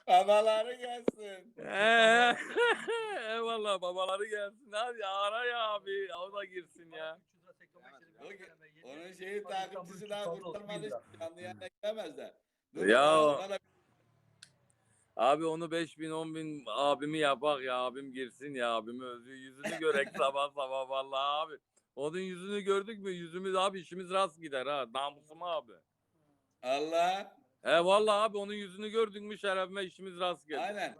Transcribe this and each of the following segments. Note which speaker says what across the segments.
Speaker 1: Babaları gelsin.
Speaker 2: Eyvallah babaları gelsin. Hadi ara ya abi. O da girsin ya.
Speaker 1: Onun şeyi takipçisi daha kurtarmadı. Canlı yayına giremezler. Dur
Speaker 2: Ya
Speaker 1: ona da
Speaker 2: abi onu 5.000 10.000 abimi yapak ya. Abim girsin ya. Abimi özü yüzünü görek sabah sabah vallahi abi. Onun yüzünü gördük mü yüzümüz abi işimiz rast gider ha. Namusum abi.
Speaker 1: Allah.
Speaker 2: Vallahi abi onun yüzünü gördük mü şerefime işimiz rast gelir.
Speaker 1: Aynen.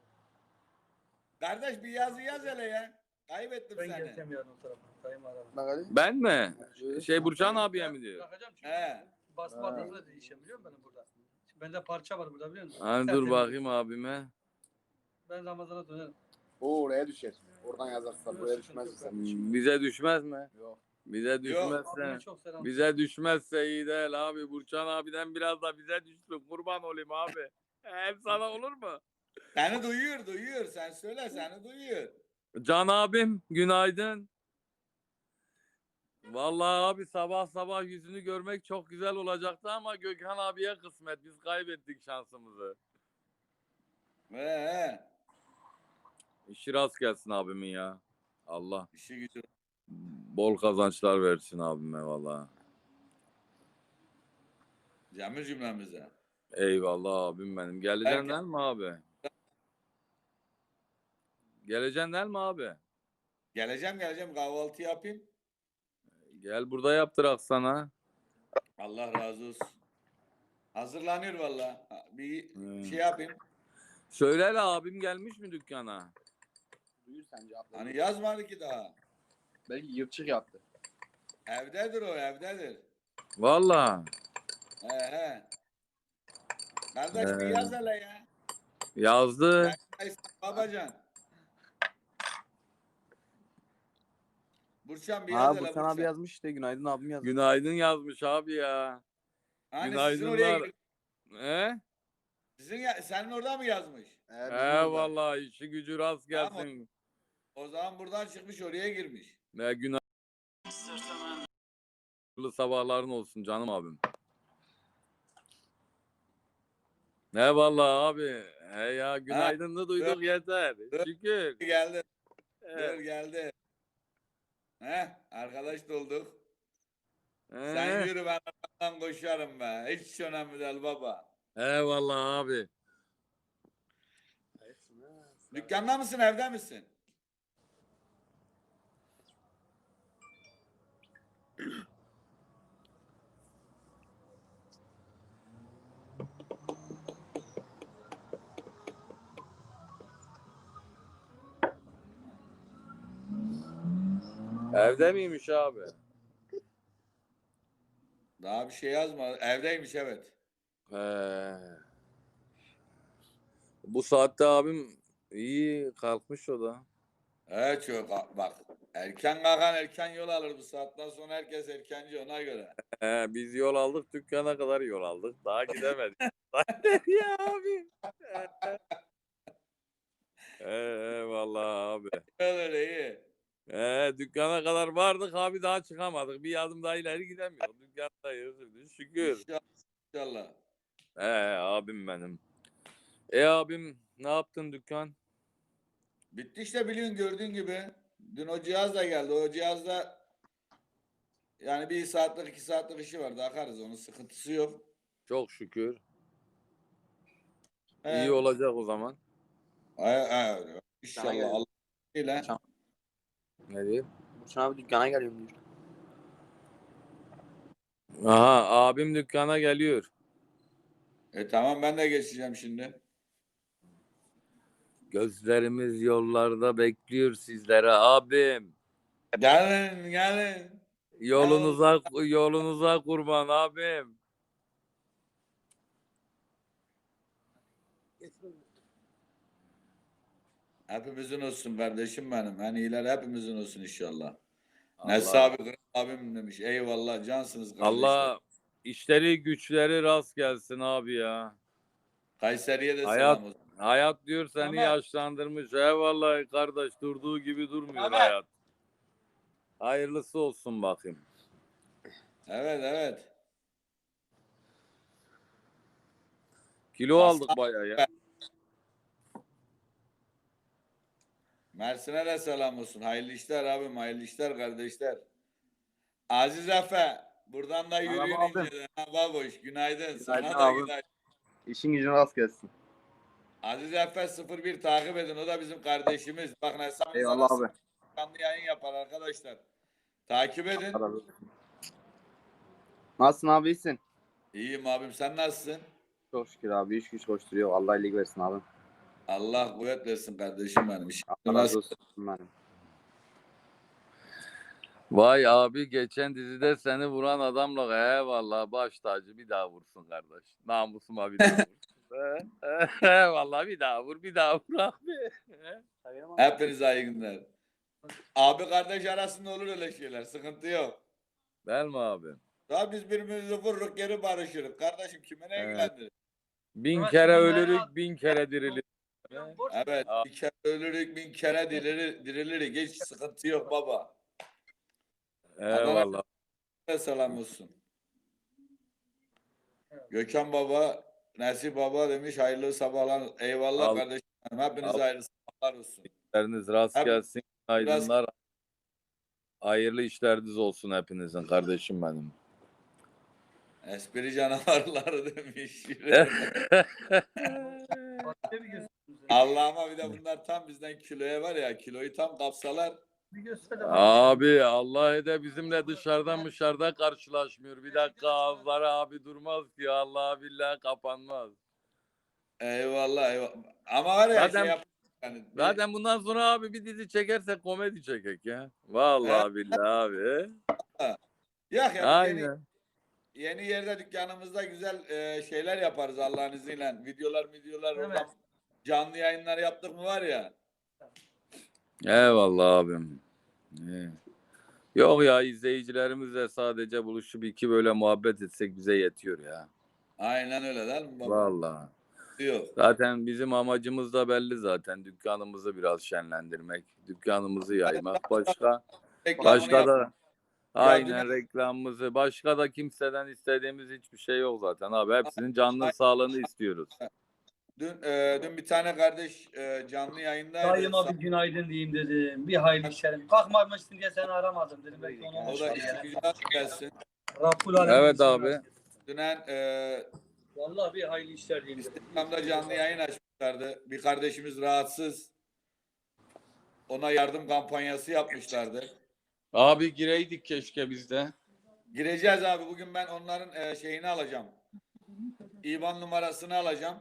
Speaker 1: Kardeş bir yazı yaz hele ya. Kaybettim
Speaker 3: Ben
Speaker 1: seni.
Speaker 3: geleceğim yarın o tarafa. Dayım aradı.
Speaker 2: Ben mi? Burçan abiye mi diyor?
Speaker 3: Bırakacağım çünkü.
Speaker 1: He.
Speaker 3: Basma adresine değişeceğim biliyor musun benim burada? Şimdi bende parça var burada biliyor musun?
Speaker 2: Hani dur
Speaker 3: Tertemiz.
Speaker 2: bakayım abime.
Speaker 3: Ben Ramazan'a dönerim.
Speaker 4: O oraya düşer. Oradan yazarsan buraya düşmez sen.
Speaker 2: Bize düşmez mi?
Speaker 4: Yok.
Speaker 2: Bize
Speaker 3: Abime
Speaker 2: düşmezse.
Speaker 3: çok selam.
Speaker 2: Bize düşmezse iyi değil abi. Burçan abiden biraz da bize düşsün. Kurban olayım abi. Hep sana olur mu?
Speaker 1: Seni duyuyor. Sen söyle seni duyuyor.
Speaker 2: Can abim günaydın. Vallahi abi sabah sabah yüzünü görmek çok güzel olacaktı ama Gökhan abiye kısmet. Biz kaybettik şansımızı.
Speaker 1: He.
Speaker 2: İşi rast gelsin abimin ya. Allah
Speaker 1: İşi gücü.
Speaker 2: bol kazançlar versin abime vallahi.
Speaker 1: Cemil cümlemize.
Speaker 2: Eyvallah abim benim. Geleceksin
Speaker 1: Herkes-
Speaker 2: değil mi abi? Geleceksin değil mi abi?
Speaker 1: Geleceğim kahvaltı yapayım.
Speaker 2: Gel burada yaptırak sana.
Speaker 1: Allah razı olsun. Hazırlanıyor valla. Bir
Speaker 2: Hmm.
Speaker 1: şey yapayım.
Speaker 2: Söyle hele abim gelmiş mi dükkana?
Speaker 4: Duyur sen cevap ver.
Speaker 1: Hani yazmadı ki daha.
Speaker 4: Belki yırtçık yaptı.
Speaker 1: Evdedir o evdedir.
Speaker 2: Vallahi.
Speaker 1: He. Kardeş bir
Speaker 2: He.
Speaker 1: yaz hele ya.
Speaker 2: Yazdı.
Speaker 1: Babacan. Burçan bir yaz hele
Speaker 4: Burçan abi
Speaker 1: Burçan.
Speaker 4: yazmış işte. Günaydın abim yazmış.
Speaker 2: Günaydın yazmış abi ya.
Speaker 1: Hani
Speaker 2: Günaydınlar.
Speaker 1: senin orada mı yazmış?
Speaker 2: Vallahi işi gücü rast gelsin.
Speaker 1: Tamam. O zaman buradan çıkmış oraya girmiş.
Speaker 2: Günaydın. Sabahların olsun canım abim. Ne vallahi abi. Ya günaydınını duyduk yeter. Şükür.
Speaker 1: Geldi. Dur geldi. Arkadaş dolduk. Sen yürü ben arkamdan koşarım be. Hiç önemli değil baba.
Speaker 2: Eyvallah abi.
Speaker 1: Dükkanda mısın evde misin?
Speaker 2: Evde miymiş abi?
Speaker 1: Daha bir şey yazma. Evdeymiş evet.
Speaker 2: Bu saatte abim iyi kalkmış o da.
Speaker 1: Evet çok bak. Erken kalkan erken yol alır bu saatten sonra herkes erkenci ona göre.
Speaker 2: Biz yol aldık dükkana kadar yol aldık. Daha gidemedik. Ya abi. Vallahi abi.
Speaker 1: Öyle iyi.
Speaker 2: Dükkana kadar vardık abi daha çıkamadık. Bir adım daha ileri gidemiyoruz. Dükkandayız. Şükür.
Speaker 1: İnşallah.
Speaker 2: Abim benim. Abim ne yaptın dükkan?
Speaker 1: Bitti işte biliyorsun gördüğün gibi. Dün o cihaz da geldi. O cihazda yani 1 saatlik 2 saatlik işi vardı. Akarız onun sıkıntısı yok.
Speaker 2: Çok şükür.
Speaker 1: He.
Speaker 2: İyi olacak o zaman.
Speaker 1: İnşallah Allah ile.
Speaker 2: Ne diyeyim?
Speaker 4: Burçan abi dükkana geliyorum diyor.
Speaker 2: Aha abim dükkana geliyor.
Speaker 1: Tamam ben de geçeceğim şimdi.
Speaker 2: Gözlerimiz yollarda bekliyor sizlere abim.
Speaker 1: Gelin.
Speaker 2: Yolunuza kurban abim.
Speaker 1: Hepimizin olsun kardeşim benim. En iyiler hepimizin olsun inşallah.
Speaker 2: Allah-
Speaker 1: Nes abi Kral abim demiş. Eyvallah cansınız kardeşler.
Speaker 2: Allah işleri güçleri rast gelsin abi ya.
Speaker 1: Kayseri'ye de
Speaker 2: Hayat-
Speaker 1: selam olsun.
Speaker 2: Hayat diyor seni
Speaker 1: Ama-
Speaker 2: yaşlandırmış. Eyvallah kardeş durduğu gibi durmuyor hayat. Hayırlısı olsun bakayım.
Speaker 1: Evet.
Speaker 2: Kilo
Speaker 1: Aslan-
Speaker 2: aldık bayağı ya.
Speaker 1: Mersin'e de selam olsun. Hayırlı işler abim, hayırlı işler kardeşler. Aziz Efe, buradan da yürüyün
Speaker 4: abim.
Speaker 1: inceden. Ha, baboş, günaydın. Sana
Speaker 4: Günaydın
Speaker 1: da
Speaker 4: abim.
Speaker 1: günaydın.
Speaker 4: İşin gücün rast gelsin.
Speaker 1: Aziz Efe 01 takip edin. O da bizim kardeşimiz. Bakın hesabımız
Speaker 4: Eyvallah abi.
Speaker 1: canlı yayın yapar arkadaşlar. Takip edin.
Speaker 4: Allah razı olsun. Nasılsın abi, iyisin?
Speaker 1: İyiyim abim, sen nasılsın?
Speaker 4: Çok şükür abi, iş güç koşturuyor. Allah iyilik versin abi.
Speaker 1: Allah kuvvet versin kardeşim benim. İşin
Speaker 4: Allah razı
Speaker 1: nasıl?
Speaker 4: olsun benim.
Speaker 2: Vay abi geçen dizide seni vuran adamla eyvallah baş tacı bir daha vursun kardeş. Namusuma bir daha vur. Vallahi bir daha vur bir daha vur abi.
Speaker 1: Hepinize iyi günler. Abi kardeş arasında olur öyle şeyler. Sıkıntı yok.
Speaker 2: Değil mi abi?
Speaker 1: Daha biz birbirimizi vururuk geri barışırız. Kardeşim kime ne
Speaker 2: Evet.
Speaker 1: ilgilendirir?
Speaker 2: Bin
Speaker 3: Ama
Speaker 2: kere
Speaker 3: şimdi
Speaker 2: ölürük
Speaker 3: bayağı-
Speaker 2: bin kere dirilir.
Speaker 1: Evet. Bir kere ölürük, bin kere diriliriz. Hiç sıkıntı yok baba.
Speaker 2: Eyvallah.
Speaker 1: Selam olsun. Gökhan baba, Nesip baba demiş hayırlı sabahlar. Eyvallah
Speaker 2: Al.
Speaker 1: kardeşim. Hepinize
Speaker 2: Al.
Speaker 1: hayırlı sabahlar olsun.
Speaker 2: İşleriniz rast
Speaker 1: Abi,
Speaker 2: gelsin. Aydınlar. Hayırlı işleriniz olsun hepinizin kardeşim benim.
Speaker 1: Espri canavarları demiş.
Speaker 3: Başka bir göster.
Speaker 1: Allah'ıma bir de bunlar tam bizden kiloya var ya. Kiloyu tam kapsalar.
Speaker 3: Bir göster de bak.
Speaker 2: Abi Allah de bizimle dışarıdan karşılaşmıyor. Bir dakika ağızları abi durmaz ki Allah billahi kapanmaz.
Speaker 1: Eyvallah eyvallah. Ama var ya
Speaker 2: Zaten-
Speaker 1: şey yap. Yani
Speaker 2: Zaten bundan sonra abi bir dizi çekersek komedi çekek ya. Vallahi billahi abi.
Speaker 1: Yok ya
Speaker 2: Aynen.
Speaker 1: yeni yerde dükkanımızda güzel şeyler yaparız Allah'ın izniyle. Videolar
Speaker 3: Evet.
Speaker 1: oradan canlı yayınlar yaptık mı var ya.
Speaker 2: Eyvallah abim. İyi. Yok ya izleyicilerimizle sadece buluşup iki böyle muhabbet etsek bize yetiyor ya.
Speaker 1: Aynen öyle değil mi baba?
Speaker 2: Vallahi.
Speaker 1: Yok.
Speaker 2: Zaten bizim amacımız da belli zaten. Dükkanımızı biraz şenlendirmek, dükkanımızı yaymak. Başka
Speaker 1: Reklamını yap-
Speaker 2: da aynen reklamımızı. Başka da kimseden istediğimiz hiçbir şey yok zaten abi. Hepsinin canlı sağlığını istiyoruz.
Speaker 1: Dün bir tane kardeş canlı yayındaydı.
Speaker 3: Dayıma bir günaydın diyeyim dedim. Bir hayırlı işlerim. Kalkmamışsın diye seni aramadım dedim. Belki onu
Speaker 1: O da
Speaker 3: unutmuşlar
Speaker 1: işi
Speaker 3: ya.
Speaker 1: güzel gelsin.
Speaker 3: Rabbul Alemin
Speaker 2: Evet
Speaker 3: bizi
Speaker 2: abi.
Speaker 3: razı olsun.
Speaker 1: Dünen
Speaker 3: Vallahi bir hayırlı işler diyeyim dedim.
Speaker 1: Instagram'da canlı yayın açmışlardı. Bir kardeşimiz rahatsız. Ona yardım kampanyası yapmışlardı.
Speaker 2: Abi gireydik keşke biz de.
Speaker 1: Gireceğiz abi. Bugün ben onların şeyini alacağım. İban numarasını alacağım.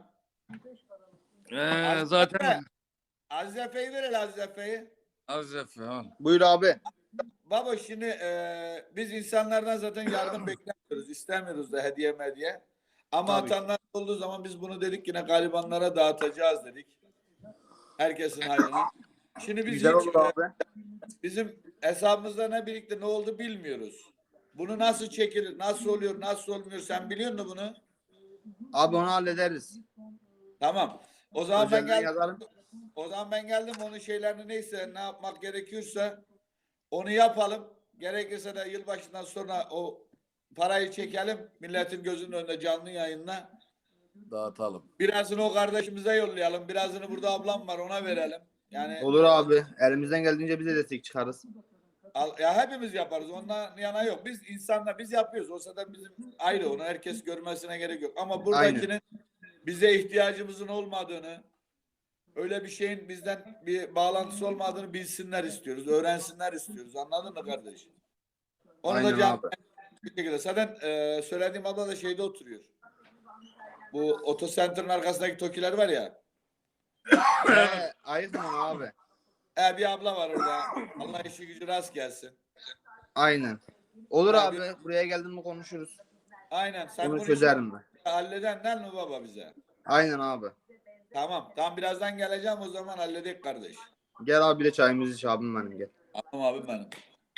Speaker 2: Zaten
Speaker 1: Aziz Efe'yi ver hele Aziz Efe'yi.
Speaker 2: az al.
Speaker 4: Buyur abi.
Speaker 1: Baba şimdi biz insanlardan zaten yardım beklemiyoruz. İstemiyoruz da hediye medya. Ama
Speaker 4: Tabii ki.
Speaker 1: atanlar olduğu zaman biz bunu dedik yine garibanlara dağıtacağız dedik. Herkesin hayrına. Şimdi biz
Speaker 4: Güzel
Speaker 1: hiç,
Speaker 4: olur abi.
Speaker 1: bizim hesabımızda ne birlikte ne oldu bilmiyoruz. Bunu nasıl çekilir, nasıl oluyor, nasıl olmuyor sen biliyor musun bunu?
Speaker 4: Abi onu hallederiz.
Speaker 1: Tamam. O zaman ben
Speaker 4: Özelden
Speaker 1: geldim.
Speaker 4: yazarım.
Speaker 1: O zaman ben geldim onun şeylerini neyse ne yapmak gerekiyorsa onu yapalım. Gerekirse de yılbaşından sonra o parayı çekelim. Milletin gözünün önünde canlı yayınla.
Speaker 2: Dağıtalım.
Speaker 1: Birazını o kardeşimize yollayalım. Birazını burada ablam var ona verelim. Yani
Speaker 4: Olur abi. Elimizden geldiğince bize destek çıkarız.
Speaker 1: ya hepimiz yaparız. Ondan yana yok. Biz insanlar biz yapıyoruz. O zaten bizim ayrı. Onu herkes görmesine gerek yok. Ama buradakinin bize ihtiyacımızın olmadığını, öyle bir şeyin bizden bir bağlantısı olmadığını bilsinler istiyoruz. Öğrensinler istiyoruz. Anladın mı kardeş? Onu
Speaker 4: Aynen
Speaker 1: da can
Speaker 4: abi.
Speaker 1: bir şekilde. Zaten söylediğim abla da şeyde oturuyor. Bu Otocenter'ın arkasındaki Tokiler var ya.
Speaker 4: Ayıkmam abi.
Speaker 1: Bir abla var orada. Allah işi gücü rast gelsin.
Speaker 4: Aynen. Olur
Speaker 1: Abi-
Speaker 4: abi. Buraya geldin mi konuşuruz.
Speaker 1: Aynen. Sen
Speaker 4: Bunu
Speaker 1: bunu
Speaker 4: çözerim ben.
Speaker 1: halledenden mi baba bize?
Speaker 4: Aynen abi.
Speaker 1: Tamam. Tam birazdan geleceğim o zaman halledik kardeş.
Speaker 4: Gel abi bir çayımızı iç abim benim gel.
Speaker 1: Tamam abim benim.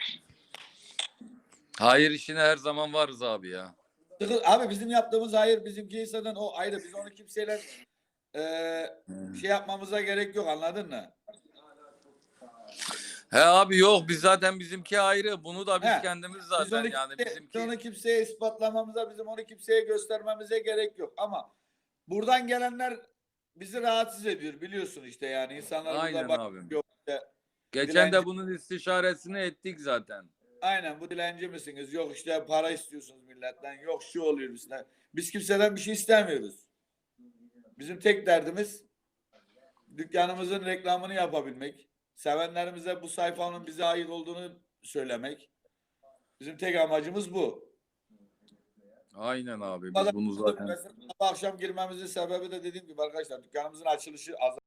Speaker 2: Hayır işine her zaman varız abi ya.
Speaker 1: Abi bizim yaptığımız hayır bizimki zaten o ayrı. Biz onu kimseyle şey yapmamıza gerek yok anladın mı?
Speaker 2: He abi yok biz zaten bizimki ayrı. Bunu da biz
Speaker 1: He,
Speaker 2: kendimiz
Speaker 1: Biz
Speaker 2: zaten
Speaker 1: onu,
Speaker 2: yani
Speaker 1: biz
Speaker 2: bizimki.
Speaker 1: onu kimseye ispatlamamıza, bizim onu kimseye göstermemize gerek yok. Ama buradan gelenler bizi rahatsız ediyor biliyorsun işte yani. İnsanlar
Speaker 2: Aynen
Speaker 1: burada
Speaker 2: abim.
Speaker 1: bakıyor. İşte
Speaker 2: Geçen de
Speaker 1: Dilenci-
Speaker 2: bunun istişaresini ettik zaten.
Speaker 1: Aynen, bu dilenci misiniz? Yok işte para istiyorsunuz milletten. Yok şu oluyor bizden. Biz kimseden bir şey istemiyoruz. Bizim tek derdimiz dükkanımızın reklamını yapabilmek. Sevenlerimize bu sayfanın bize ait olduğunu söylemek. Bizim tek amacımız bu.
Speaker 2: Aynen abi.
Speaker 1: Mesela
Speaker 2: Biz bunu zaten
Speaker 1: akşam girmemizin sebebi de dediğim gibi arkadaşlar dükkanımızın açılışı